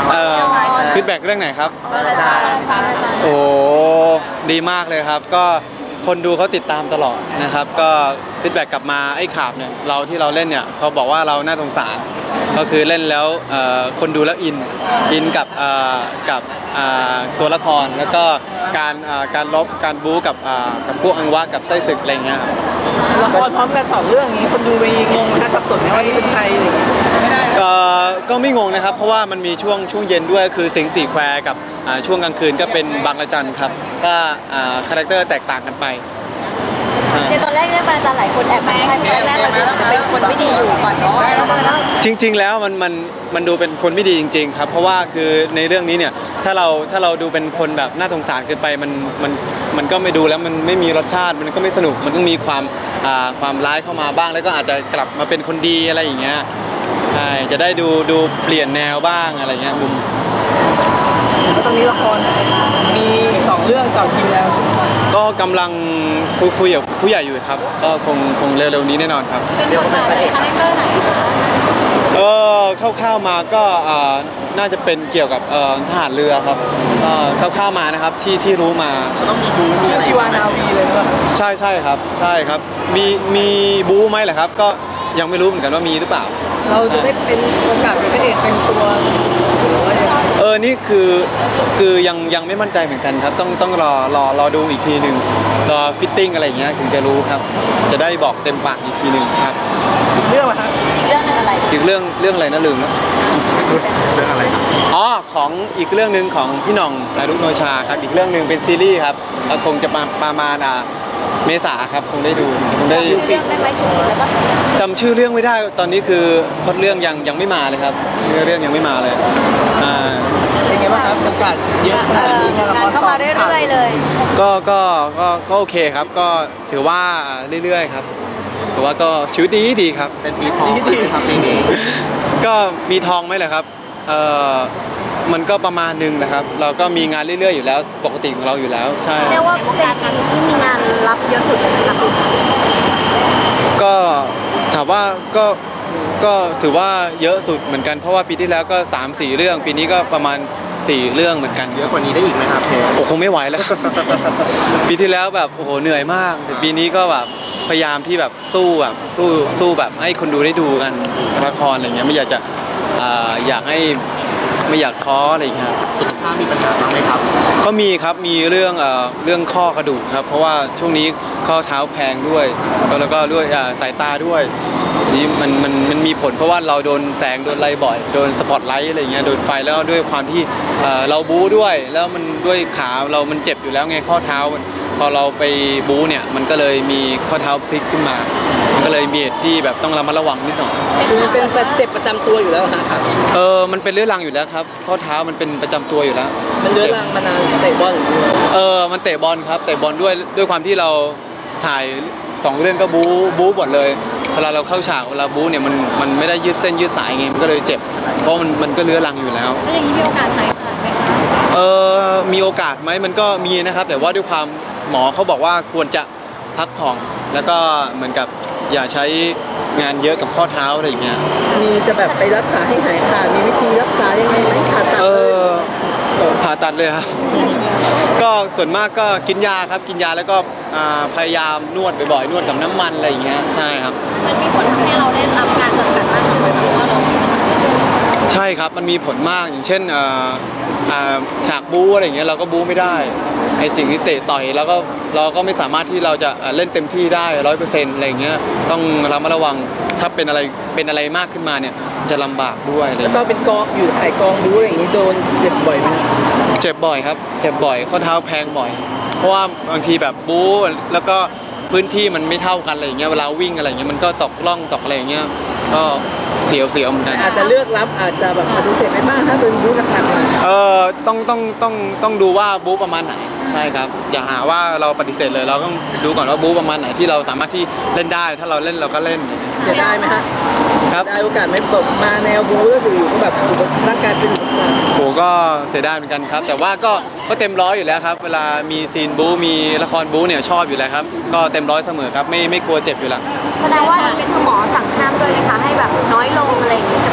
ฟีดแบ็กเรื่องไหนครับโอ้ดีมากเลยครับก็คนดูเขาติดตามตลอดนะครับก็ฟีดแบ็กกลับมาไอ้ขาบเนี่ยที่เราเล่นเนี่ยเขาบอกว่าเราน่าสงสารก็คือเล่นแล้วคนดูแล้วอินกับตัวละครแล้วก็การลบการบู๊กับพวกอังวะกับไส้ศึกอะไรเงี้ยครับละครพร้อมกัน2 เรื่องนี้คนดูไปงงนะสับสนไหมว่านี่เป็นใครอะไรอย่างเงี้ยก็ไม่งงนะครับเพราะว่ามันมีช่วงเย็นด้วยคือสิงห์สี่แควกับช่วงกลางคืนก็เป็นบางระจันครับก็คาแรคเตอร์แตกต่างกันไปในตอนแรกเนี่ยอาจารย์หลายคนแอบมาให้ตอนแรกมันเป็นคนไม่ดีอยู่ก่อนเนาะจริงๆแล้วมันดูเป็นคนไม่ดีจริงๆครับเพราะว่าคือในเรื่องนี้เนี่ยถ้าเราดูเป็นคนแบบน่าสงสารเกินไปมันก็ไม่ดูแล้วมันไม่มีรสชาติมันก็ไม่สนุกมันต้องมีความร้ายเข้ามาบ้างแล้วก็อาจจะกลับมาเป็นคนดีอะไรอย่างเงี้ยใช่จะได้ดูเปลี่ยนแนวบ้างอะไรเงี้ยมุมแล้วตอนนี้ละครมีอีก2 เรื่องต่อคิวแล้วใช่ไหมก็กำลังคุยกับผู้ใหญ่อยู่ครับก็คงเร็วๆนี้แน่นอนครับเป็นบทบาทในคาแรคเตอร์ไหนคะคร่าวๆมาก็น่าจะเป็นเกี่ยวกับทหารเรือครับก็คร่าวๆมานะครับที่รู้มาต้องมีบู๊ชีวานาวีเลยครับใช่ครับใช่ครับมีบู๊ไหมเหรอครับก็ยังไม่รู้เหมือนกันว่ามีหรือเปล่าเราจะได้เป็นโอกาสเป็นพระเอกเต็มตัวนี่คือยังไม่มั่นใจเหมือนกันครับต้องรอดูอีกทีหนึ่งรอฟิตติ้งอะไรอย่างเงี้ยถึงจะรู้ครับจะได้บอกเต็มปากอีกทีหนึ่งครับอีกเรื่องครับอีกเรื่องนึงอะไรอีกเรื่องอะไรนะลืมแล้วเรื่องอะไรครับของอีกเรื่องนึงของพี่หน่องนารุโนชาครับอีกเรื่องนึงเป็นซีรีส์ครับคงจะประมาณเมษาครับคงได้ดูคงได้ชื่อเรื่องได้ไหมถึงแล้วก็จำชื่อเรื่องไม่ได้ตอนนี้คือพล็อตเรื่องยังไม่มาเลยครับเรื่องยังไม่มาเลยเป็นไงบ้างครับโอกาสเยอะขนาดนี้งานเข้ามาเรื่อยๆเลยก็โอเคครับก็ถือว่าเรื่อยๆครับแต่ว่าก็ชีวิตดีครับเป็นปีทองดีครับปีนี้ก็มีทองไหมเหรอครับมันก็ประมาณนึงนะครับเราก็มีงานเรื่อยๆอยู่แล้วปกติของเราอยู่แล้วใช่เรียกว่าเป็นปีที่มีงานรับเยอะสุดเลยนะครับก็ถามว่าก็ถือว่าเยอะสุดเหมือนกันเพราะว่าปีที่แล้วก็ 3-4 เรื่องปีนี้ก็ประมาณ4 เรื่องเหมือนกันเยอะกว่านี้ได้อีกไหมครับโอ้คงไม่ไหวแล้ว ปีที่แล้วแบบโอ้โหเหนื่อยมากแต่ปีนี้ก็แบบพยายามที่แบบสู้แบบให้คนดูได้ดูกันละครอะไรเงี้ยไม่อยากจะไม่อยากท้ออะไรอย่างเงี้ยสุขภาพมีปัญหาบ้างไหมครับก็มีครับมีเรื่องข้อกระดูกครับเพราะว่าช่วงนี้ข้อเท้าแพงด้วยแล้วก็ด้วยสายตาด้วยนี่มันมีผลเพราะว่าเราโดนแสงโดนไลท์บ่อยโดนสปอตไลท์อะไรเงี้ยโดนไฟแล้วด้วยความที่เราบู๊ด้วยแล้วมันด้วยขาเรามันเจ็บอยู่แล้วไงข้อเท้าพอเราไปบู๊เนี่ยมันก็เลยมีข้อเท้าพลิกขึ้นมามันก็เลยมีเหตุที่แบบต้องระมัดระวังนิดหน่อยมันเป็นเจ็บประจำตัวอยู่แล้วครับมันเป็นเรื้อรังอยู่แล้วครับข้อเท้ามันเป็นประจำตัวอยู่แล้วมันเรื้อรังมานานเตะบอลมันเตะบอลครับเตะบอลด้วยความที่เราถ่าย2 เรื่องก็บู๊หมดเลยเวลาเราเข้าฉากเวลาบู๊เนี่ยมันไม่ได้ยืดเส้นยืดสายไงมันก็เลยเจ็บเพราะมันก็เรื้อรังอยู่แล้วแล้วอย่างนี้มีโอกาสหายขาดไหมคะมีโอกาสไหมมันก็มีนะครับแต่ว่าด้วยความหมอเขาบอกว่าควรจะพักผ่อนแล้วก็เหมือนกับอย่าใช้งานเยอะกับข้อเท้าอะไรอย่างเงี้ยมีจะแบบไปรักษาให้หายขาดมีวิธีรักษายังไงไหมผ่าตัดผ่าตัดเลยครับก็ส่วนมากก็กินยาครับกินยาแล้วก็พยายามนวดบ่อยๆนวดกับน้ำมันอะไรอย่างเงี้ยใช่ครับมันมีผลทำให้เราได้รับการจำกัดมากขึ้นไหมเพราะว่าเรามีปัญหาใช่ครับมันมีผลมากอย่างเช่นฉากบู๊อะไรอย่างเงี้ยเราก็บู๊ไม่ได้ไอสิ่งที่เตะต่อยแล้วก็เราก็ไม่สามารถที่เราจะเล่นเต็มที่ได้ 100% อะไรอย่างเงี้ยต้องระมัดระวังถ้าเป็นอะไรมากขึ้นมาเนี่ยจะลำบากด้วยแล้วก็เป็นกองอยู่ถ่ายกองบู๊อะไรอย่างงี้โดนเจ็บบ่อยไหมเจ็บบ่อยครับเจ็บบ่อยข้อเท้าแพงบ่อยเพราะว่าบางทีแบบบู๊แล้วก็พื้นที่มันไม่เท่ากันอะไรอย่างเงี้ยเวลาวิ่งอะไรอย่างเงี้ยมันก็ตกล่องตกอะไรอย่างเงี้ยก็เสียวเหมือนกันอาจจะเลือกรับอาจจะแบบปฏิเสธไม่บ้างถ้าเป็นบู๊หนักๆต้องดูว่าบู๊ประมาณไหนใช่ครับอย่าหาว่าเราปฏิเสธเลยเราต้องดูก่อนว่าบู๊ประมาณไหนที่เราสามารถที่เล่นได้ถ้าเราเล่นเราก็เล่นเสียดายไหมฮะครับได้โอกาสไม่ตกมาแนวบู๊ก็คืออยู่ก็แบบร่างกายเป็นอุปสรรคโหก็เสียดายเหมือนกันครับแต่ว่าก็เต็มร้อยอยู่แล้วครับเวลามีซีนบู๊มีละครบู๊เนี่ยชอบอยู่แล้วครับก็เต็มร้อยเสมอครับไม่กลัวเจ็บอยู่แล้วแสดงว่าเป็นหมอสั่งห้ามด้วยนะคะให้แบบน้อยลงอะไรอย่างนี้กับการ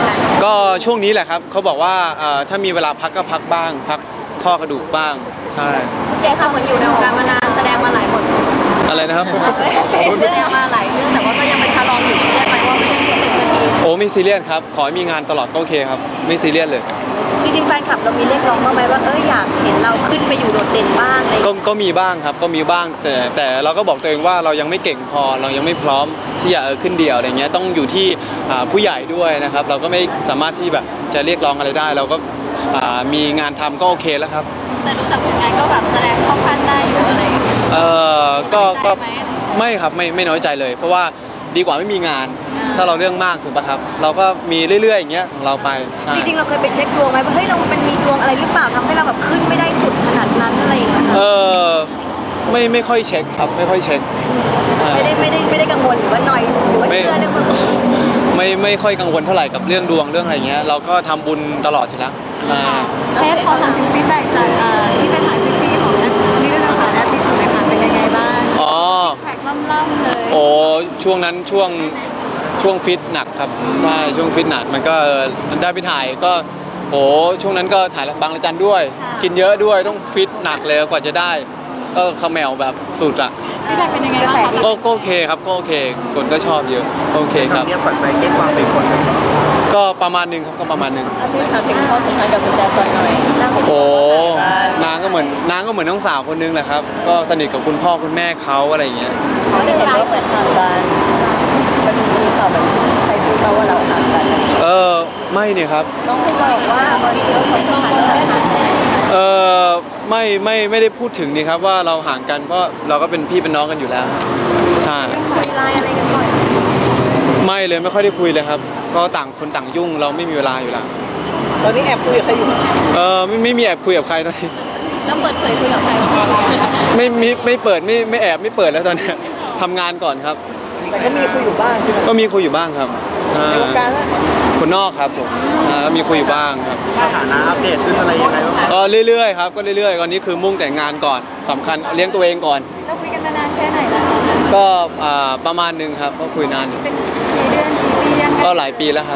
ก็ช่วงนี้แหละครับเขาบอกว่าถ้ามีเวลาพักก็พักบ้าง พักข้อกระดูกบ้างใช่แกค่ะเหมือนอยู่ในวงการมานานแสดงมาหลายบทอะไรนะครับแสดงมาหลายเรื่องแต่ว่าก็ยังเป็นคารองอยู่ซีเรียสไหมว่าไม่ได้เต็มสักทีโอ้ไม่ซีเรียสครับขอให้มีงานตลอดก็โอเคครับไม่ซีเรียสเลยจริงๆแฟนคลับเรามีเรียกร้องบ้างไหมว่าอยากเห็นเราขึ้นไปอยู่โดดเด่นบ้างอะไรอย่างเงี้ยก็มีบ้างครับก็มีบ้างแต่เราก็บอกตัวเองว่าเรายังไม่เก่งพอเรายังไม่พร้อมที่จะขึ้นเดี่ยวอะไรเงี้ยต้องอยู่ที่ผู้ใหญ่ด้วยนะครับเราก็ไม่สามารถที่แบบจะเรียกร้องอะไรได้ เราก็มีงานทำก็โอเคแล้วครับแต่ดูจากผลงานก็แบบแสดงเข้าขั้นได้อยู่อะไรอย่างเงี้ยก็ไม่ครับไม่น้อยใจเลย เพราะว่าดีกว่าไม่มีงาน ถ้าเราเรื่องมากถูกปะครับ เราก็มีเรื่อยๆอย่างเงี้ยของเราไปใช่จริงๆเราเคยไปเช็คดวงไหมว่าเรามันมีดวงอะไรหรือเปล่าทำให้เราแบบขึ้นไม่ได้สุดขนาดนั้นอะไรอย่างเงี้ยไม่ค่อยเช็คครับไม่ค่อยเช็คไม่ได้กังวลหรือว่าน้อยหรือว่าเชื่อเรื่องแบบนี้ไม่ค่อยกังวลเท่าไหร่กับเรื่องดวงเรื่องอะไรเงี้ยเราก็ทำบุญตลอดอยู่แล้วใช่เทปขอถามถึงฟีดแบ็กจากที่ไปถ่ายเซ็กซี่ของนักนิตยสารแอปที่ถูกนะคะเป็นยังไงบ้างอ๋อแพ็กล่ำๆเลยโอ้ช่วงนั้นช่วงฟิตหนักครับใช่ช่วงฟิตหนักมันก็มันได้ไปถ่ายก็โอ้ช่วงนั้นก็ถ่ายบางระจันด้วย กินเยอะด้วยต้องฟิตหนักเลยกว่าจะได้ก็เขมวแบบสุดอ่ะฟีดแบ็กเป็นยังไงบ้างคะก็โอเคครับก็โอเคคนก็ชอบเยอะโอเคครับทำเนี่ยปัจจัยเก็ตวางเป็นคนก็ประมาณหนึงครับก็ประมาณหนึงพี่ถามถึงข้อสุดท้ายกับคุณแจซอนหน่อยน่าสนใจโอ้นางก็เหมือนน้องสาวคนนึงแหละครับก็สนิทกับคุณพ่อคุณแม่เขาอะไรอย่างเงี้ยเขาได้เห็นว่าเหมือนทางการมันมีข่าวแบบใครพูดว่าเราห่างกันไม่เนี่ยครับน้องคุณบอกว่าตอนนี้เราคอยต้องหาเรื่องห่างกันไม่ได้พูดถึงนี่ครับว่าเราห่างกันเพราะเราก็เป็นพี่เป็นน้องกันอยู่แล้วใช่คุยไลน์อะไรกันบ่อยไม่เลยไม่ค่อยได้คุยเลยครับเพราะต่างคนต่างยุ่งเราไม่มีเวลาอยู่แล้วตอนนี้แอบคุยกับใครอยู่ไม่มีแอบคุยกับใครตอนนี้แล้วเปิดเผยคุยกับใครไม่เปิดไม่แอบไม่เปิดแล้วตอนเนี้ยทำงานก่อนครับแต่ก็มีคุยอยู่บ้างใช่ไหมก็มีคุยอยู่บ้างครับในวงการแล้วคนนอกครับผมมีคุยอยู่บ้างครับสถานะอัปเดตขึ้นอะไรยังไงบ้างก็เรื่อยๆครับก็เรื่อยๆตอนนี้คือมุ่งแต่งงานก่อนสำคัญเลี้ยงตัวเองก่อนเราคุยกันมานานแค่ไหนแล้วคะก็ประมาณหนึงครับก็คุยนานอยู่เป็นกี่เดือนกี่ปียังไงก็หลายปีแล้วครับ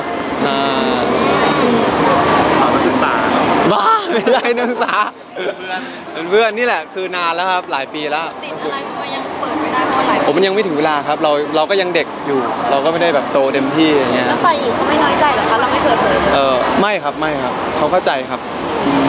สาวศึกษาบ้าไม่ใช่นักศึกษาเป็นเพื่อนนี่แหละคือนานแล้วครับหลายปีแล้วติดอะไรทำไมยังเปิดไม่ได้เพราะอะไรผมมันยังไม่ถึงเวลาครับเราก็ยังเด็กอยู่ เราก็ไม่ได้แบบโตเต็มที่อย่างเงี้ยแล้วฝ่ายหญิงเขาไม่น้อยใจเหรอคะเราไม่เปิดเผยไม่ครับเขาเข้าใจครับ